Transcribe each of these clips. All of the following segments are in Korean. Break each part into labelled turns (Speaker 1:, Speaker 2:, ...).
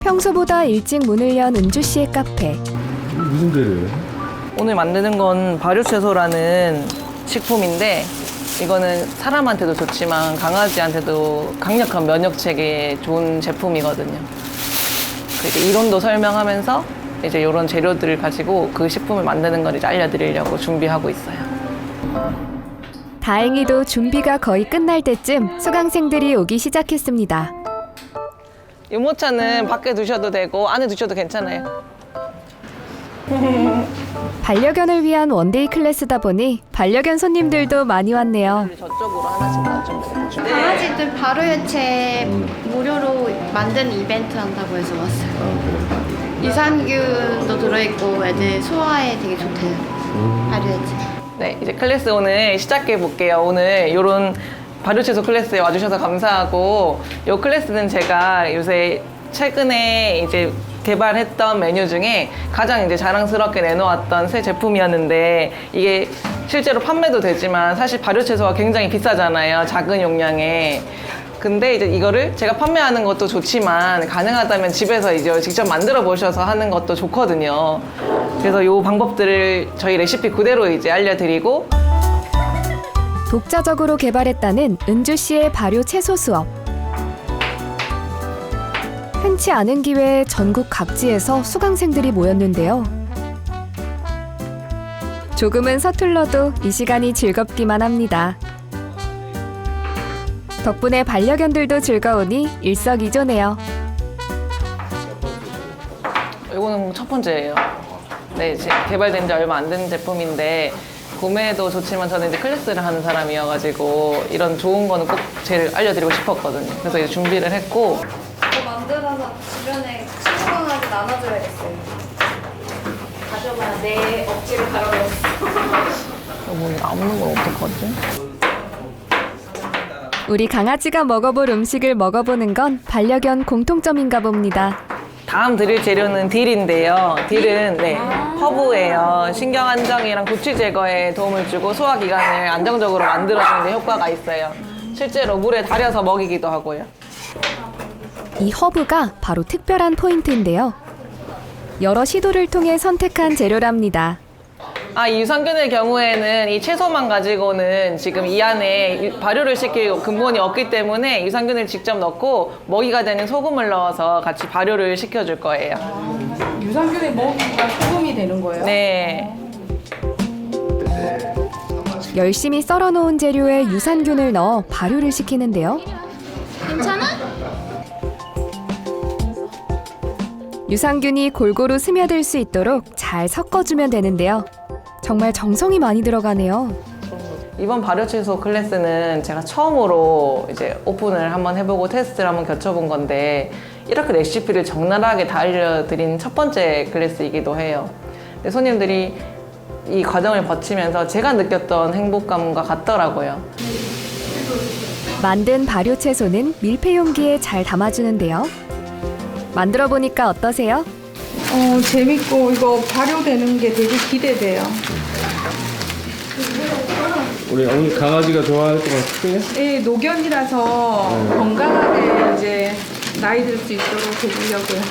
Speaker 1: 평소보다 일찍 문을 연 은주 씨의 카페.
Speaker 2: 무슨 재료예요?
Speaker 3: 오늘 만드는 건 발효채소라는 식품인데 이거는 사람한테도 좋지만 강아지한테도 강력한 면역 체계에 좋은 제품이거든요. 이제 이론도 설명하면서 이제 이런 재료들을 가지고 그 식품을 만드는 걸 이제 알려드리려고 준비하고 있어요.
Speaker 1: 다행히도 준비가 거의 끝날 때쯤 수강생들이 오기 시작했습니다.
Speaker 3: 유모차는 밖에 두셔도 되고 안에 두셔도 괜찮아요.
Speaker 1: 반려견을 위한 원데이 클래스다 보니 반려견 손님들도 많이 왔네요.
Speaker 3: 저쪽으로 하나씩 놔주면 돼요.
Speaker 4: 강아지들 발효해체 무료로 만든 이벤트 한다고 해서 왔어요. 유산균도 들어있고 애들 소화에 되게 좋대요. 발효해체.
Speaker 3: 네, 이제 클래스 오늘 시작해 볼게요. 오늘 이런 발효채소 클래스에 와주셔서 감사하고 이 클래스는 제가 요새 최근에 이제 개발했던 메뉴 중에 가장 이제 자랑스럽게 내놓았던 새 제품이었는데 이게 실제로 판매도 되지만 사실 발효채소가 굉장히 비싸잖아요. 작은 용량에. 근데 이제 이거를 제가 판매하는 것도 좋지만 가능하다면 집에서 이제 직접 만들어 보셔서 하는 것도 좋거든요. 그래서 이 방법들을 저희 레시피 그대로 이제 알려드리고
Speaker 1: 독자적으로 개발했다는 은주 씨의 발효 채소 수업. 흔치 않은 기회에 전국 각지에서 수강생들이 모였는데요. 조금은 서툴러도 이 시간이 즐겁기만 합니다. 덕분에 반려견들도 즐거우니 일석이조네요.
Speaker 3: 이거는 첫 번째예요. 네, 개발된 지 얼마 안 된 제품인데 구매도 좋지만 저는 이제 클래스를 하는 사람이어가지고 이런 좋은 거는 꼭 제일 알려드리고 싶었거든요. 그래서 이제 준비를 했고
Speaker 4: 이거 만들어서 주변에 친구들한테 나눠줘야겠어요. 가져봐. 내 억지로 갈아버렸어.
Speaker 3: 뭐 남는 건 어떡하지?
Speaker 1: 우리 강아지가 먹어볼 음식을 먹어보는 건 반려견 공통점인가 봅니다.
Speaker 3: 다음 드릴 재료는 딜인데요. 딜은 네, 허브예요. 신경 안정이랑 구취 제거에 도움을 주고 소화 기관을 안정적으로 만들어주는 데 효과가 있어요. 실제로 물에 달여서 먹이기도 하고요.
Speaker 1: 이 허브가 바로 특별한 포인트인데요. 여러 시도를 통해 선택한 재료랍니다.
Speaker 3: 이 유산균의 경우에는 이 채소만 가지고는 지금 이 안에 발효를 시킬 근본이 없기 때문에 유산균을 직접 넣고 먹이가 되는 소금을 넣어서 같이 발효를 시켜줄 거예요.
Speaker 5: 유산균의 먹이가 소금이 되는 거예요?
Speaker 3: 네.
Speaker 1: 열심히 썰어놓은 재료에 유산균을 넣어 발효를 시키는데요.
Speaker 4: 괜찮아?
Speaker 1: 유산균이 골고루 스며들 수 있도록 잘 섞어주면 되는데요. 정말 정성이 많이 들어가네요.
Speaker 3: 이번 발효채소 클래스는 제가 처음으로 이제 오픈을 한번 해보고 테스트를 한번 겪어본 건데 이렇게 레시피를 적나라하게 다 알려드린 첫 번째 클래스이기도 해요. 근데 손님들이 이 과정을 거치면서 제가 느꼈던 행복감과 같더라고요.
Speaker 1: 만든 발효 채소는 밀폐 용기에 잘 담아주는데요. 만들어 보니까 어떠세요?
Speaker 5: 재밌고 이거 발효되는 게 되게 기대돼요.
Speaker 2: 우리 어머니 강아지가 좋아할 것 같아요?
Speaker 5: 예, 노견이라서 건강하게 이제 나이 들 수 있도록 해주려고요.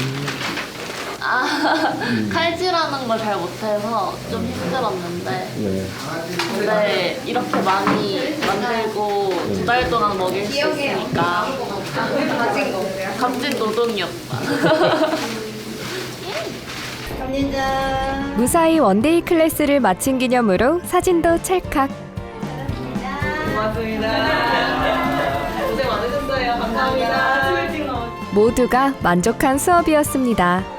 Speaker 6: 칼질하는 걸 잘 못해서 좀 힘들었는데
Speaker 2: 네.
Speaker 6: 근데 이렇게 많이 만들고 2달 동안 먹일 수 있으니까 값진 노동이었다.
Speaker 1: 무사히 원데이 클래스를 마친 기념으로 사진도 찰칵.
Speaker 3: 고맙습니다. 고생 많으셨어요. 감사합니다.
Speaker 1: 모두가 만족한 수업이었습니다.